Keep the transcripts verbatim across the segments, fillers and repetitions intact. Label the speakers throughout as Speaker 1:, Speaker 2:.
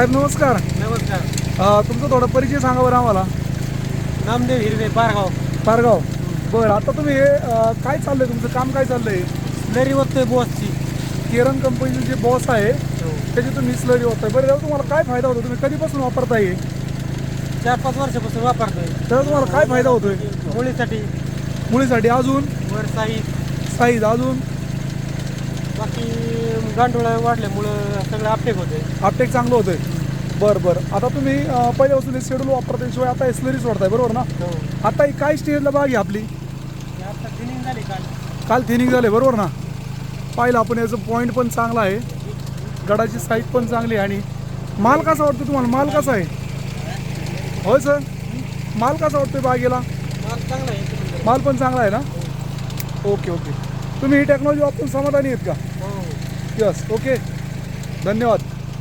Speaker 1: साहेब नमस्कार.
Speaker 2: नमस्कार.
Speaker 1: अ, तुमचा थोडा परिचय सांगा बरं आम्हाला.
Speaker 2: नामदेव हिरवे, पारगाव.
Speaker 1: पारगाव. बरं, आता तुम्ही हे अ, काय चाललंय तुमचं काम, काय चाललंय?
Speaker 2: स्लरी ओततोय बॉसची.
Speaker 1: केरन कंपनीचे जे बॉस आहे त्याची तुम्ही स्लरी होताय. बरं, त्याचा तुम्हाला काय फायदा होतो? तुम्ही कधीपासून वापरताय?
Speaker 2: चार पाच वर्षापासून वापरतोय.
Speaker 1: त्याचा तुम्हाला काय फायदा होतोय?
Speaker 2: मुलीसाठी,
Speaker 1: मुलीसाठी, अजून
Speaker 2: वर साईज,
Speaker 1: साईज, अजून
Speaker 2: बाकी गांडोळा वाढल्यामुळं सगळं अपटेक होते.
Speaker 1: अपटेक चांगलं होतंय. बरं बरं. आता तुम्ही अ, पहिल्यापासून हे शेड्यूल वापरताय, शिवाय आता स्लरी सोडताय, बरोबर ना?
Speaker 2: हो.
Speaker 1: आता ही काय स्टेजला बाग आहे आपली?
Speaker 2: आता थिनिंग झाली काल.
Speaker 1: काल थिनिंग झाले, बरोबर ना? पाहिलं आपण, याचं पॉईंट पण चांगला आहे, गडाची साईज पण चांगली आहे. आणि माल कसा वाटतो तुम्हाला? माल कसा आहे? होय सर, माल कसा वाटतोय बागेला?
Speaker 2: माल चांगला आहे.
Speaker 1: माल पण चांगला आहे ना? Okay okay. तुम्ही ही टेक्नॉलॉजी वापरून समाधानी आहेत का?
Speaker 2: हो.
Speaker 1: यस, ओके, धन्यवाद.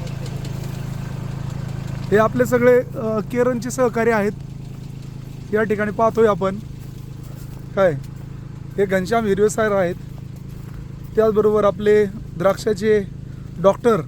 Speaker 1: हे आपले सगळे अ, केरनचे सहकारी आहेत. या ठिकाणी पाहतोय आपण काय, हे घनश्याम हिरवे साहेब आहेत. त्याचबरोबर आपले द्राक्षाचे डॉक्टर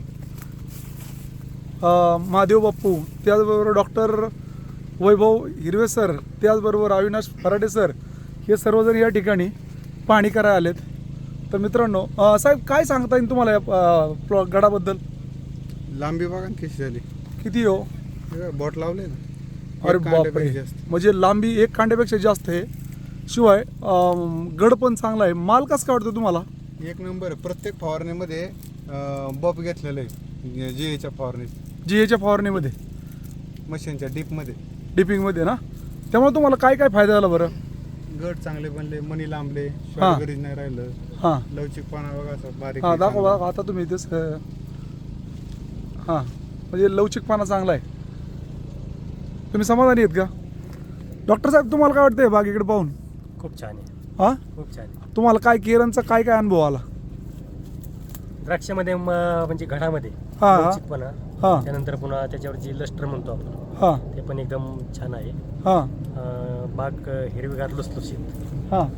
Speaker 1: महादेव बाप्पू, त्याचबरोबर डॉक्टर वैभव हिरवे सर, त्याचबरोबर अविनाश फराडे सर, हे सर्वजण या ठिकाणी पाहणी करायला आलेत. तर मित्रांनो, अ, साहेब काय सांगता येईल तुम्हाला या अ, प्लॉ गडाबद्दल?
Speaker 3: लांबी बघा ना कशी झाली.
Speaker 1: किती हो?
Speaker 3: हे बोट लावले ना.
Speaker 1: अरे
Speaker 3: एक कांड्यापेक्षा
Speaker 1: बापरे,
Speaker 3: जास्त.
Speaker 1: म्हणजे लांबी एक कांड्यापेक्षा जास्त आहे. शिवाय अम, गड पण चांगला आहे. माल कसं काय वाटतं तुम्हाला?
Speaker 3: एक नंबर आहे. प्रत्येक फवारणीमध्ये बॉब घेतलेलं आहे. जी एच्या फवारणीत,
Speaker 1: जी एच्या फवारणीमध्ये,
Speaker 3: मशीनच्या डीपमध्ये.
Speaker 1: डिपिंगमध्ये ना, त्यामुळे तुम्हाला काय काय फायदा झाला बरं?
Speaker 3: गड चांगले बनले, मणी लांबले,
Speaker 1: हा.
Speaker 3: गरीज नाही राहिलं.
Speaker 1: हां
Speaker 3: लवचिकपणा बघा असं बारीक
Speaker 1: हां,
Speaker 3: आहे
Speaker 1: दाखवा
Speaker 3: चांगलं.
Speaker 1: दाखवा आता तुम्ही तेच. हां, म्हणजे लवचिकपणा चांगला आहे. तुम्ही समाधानी आहेत का? डॉक्टर साहेब, तुम्हाला काय वाटतंय बागेकडे पाहून?
Speaker 2: खूप छान आहे.
Speaker 1: हां,
Speaker 2: खूप छान आहे.
Speaker 1: तुम्हाला काय केरनचा काय काय अनुभव आला?
Speaker 2: द्राक्षामध्ये म- म्हणजे घडामध्ये
Speaker 1: हा, हा.
Speaker 2: लवचिकपणा,
Speaker 1: हां
Speaker 2: त्यानंतर पुन्हा त्याच्यावर जी लस्टर म्हणतो आपण,
Speaker 1: हां
Speaker 2: ते पण एकदम छान आहे.
Speaker 1: हां
Speaker 2: अं, बाग अं, हिरवीगार लुसलुशीत.
Speaker 1: हां.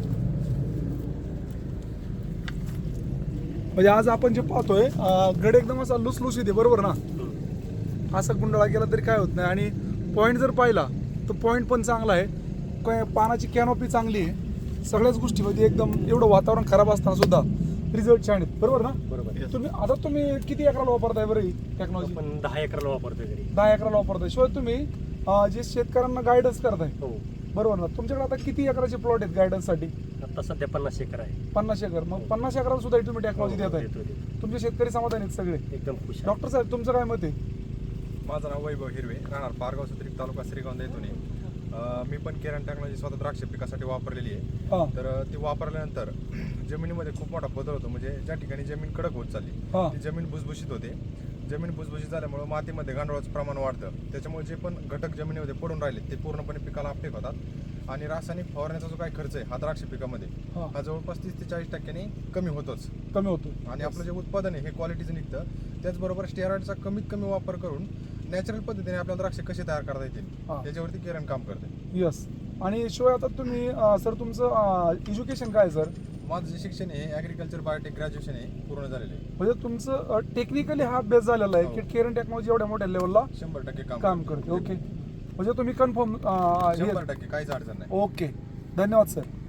Speaker 1: म्हणजे आज आपण जे पाहतोय अं, गड एकदम असा लुसलुसीत आहे, बरोबर ना? असा गुंडाळा केला तरी काय होत नाही. आणि पॉईंट जर पाहिला तर पॉईंट पण चांगला आहे. काय, पानाची कॅनॉपी चांगली आहे. सगळ्याच गोष्टीमध्ये एकदम, एवढं वातावरण खराब असताना सुद्धा रिझल्ट छान आहेत, बरोबर ना?
Speaker 2: बरोबर.
Speaker 1: तुम्ही आता तुम्ही किती एकराला वापरताय बरं ही टेक्नॉलॉजी?
Speaker 2: आपण दहा एकरला वापरतोय घरी.
Speaker 1: दहा एकराला वापरताय. शिवाय तुम्ही अं, जे शेतकऱ्यांना गायडन्स करताय,
Speaker 2: हो.
Speaker 1: बरोबर ना? तुमच्याकडे आता किती एकराचे प्लॉट आहेत गायडन्ससाठी?
Speaker 2: आता सध्या पन्नास एकर आहे.
Speaker 1: पन्नास एकर. मग पन्नास एकराला सुद्धा तुम्ही टेक्नॉलॉजी
Speaker 2: हो,
Speaker 1: देत आहे.
Speaker 2: देतो, देतो.
Speaker 1: तुमचे शेतकरी समाधानी आहेत सगळे?
Speaker 2: एकदम खुश आहे.
Speaker 1: डॉक्टर साहेब, तुमचं काय मत आहे?
Speaker 4: माझं नाव वैभव हिरवे, राहणार पारगाव सुत्रिक, तालुका श्रीगोंदा येथून आहे. अं, मी पण केरन टेक्नॉलॉजी स्वतः द्राक्ष पिकासाठी वापरलेली आहे.
Speaker 1: हां
Speaker 4: तर अं, ती वापरल्यानंतर जमिनीमध्ये खूप मोठा बदल होतो. म्हणजे ज्या ठिकाणी जमीन कडक होत चालली,
Speaker 1: हां
Speaker 4: ती जमीन भुसभुशीत होते. जमीन भुसभुशीत झाल्यामुळे मातीमध्ये गांडोळाचं प्रमाण वाढतं. त्याच्यामुळे जे पण घटक जमिनीमध्ये पडून राहिले ते पूर्णपणे पिकाला अपटेक होतात. आणि रासायनिक फवारण्याचा जो काही खर्च आहे हा द्राक्ष पिकामध्ये,
Speaker 1: हां
Speaker 4: हा जवळपास तीस ते चाळीस टक्क्यांनी कमी होतोच.
Speaker 1: कमी होतो.
Speaker 4: आणि आपलं जे उत्पादन आहे हे क्वालिटीचं निघतं. त्याचबरोबर स्टेरॉइडचा कमीत कमी वापर करून नॅचरल पद्धतीने आपल्याला द्राक्ष कसे तयार करता येतील
Speaker 1: हां.
Speaker 4: याच्यावरती केरन काम करते.
Speaker 1: यस. आणि शिवाय आता तुम्ही अं, सर, तुमचं एज्युकेशन काय आहे सर?
Speaker 4: माझं जे शिक्षण आहे ॲग्रिकल्चर बायोटेक ग्रॅज्युएशन आहे, पूर्ण झालेलं आहे.
Speaker 1: म्हणजे तुमचं टेक्निकली हा अभ्यास झालेला आहे
Speaker 4: हो.
Speaker 1: की केरन टेक्नॉलॉजी एवढ्या मोठ्या लेवलला
Speaker 4: शंभर टक्के काम
Speaker 1: काम करते. ओके, म्हणजे तुम्ही कन्फर्म.
Speaker 4: शंभर टक्के काहीच अडचण नाही.
Speaker 1: ओके, धन्यवाद सर.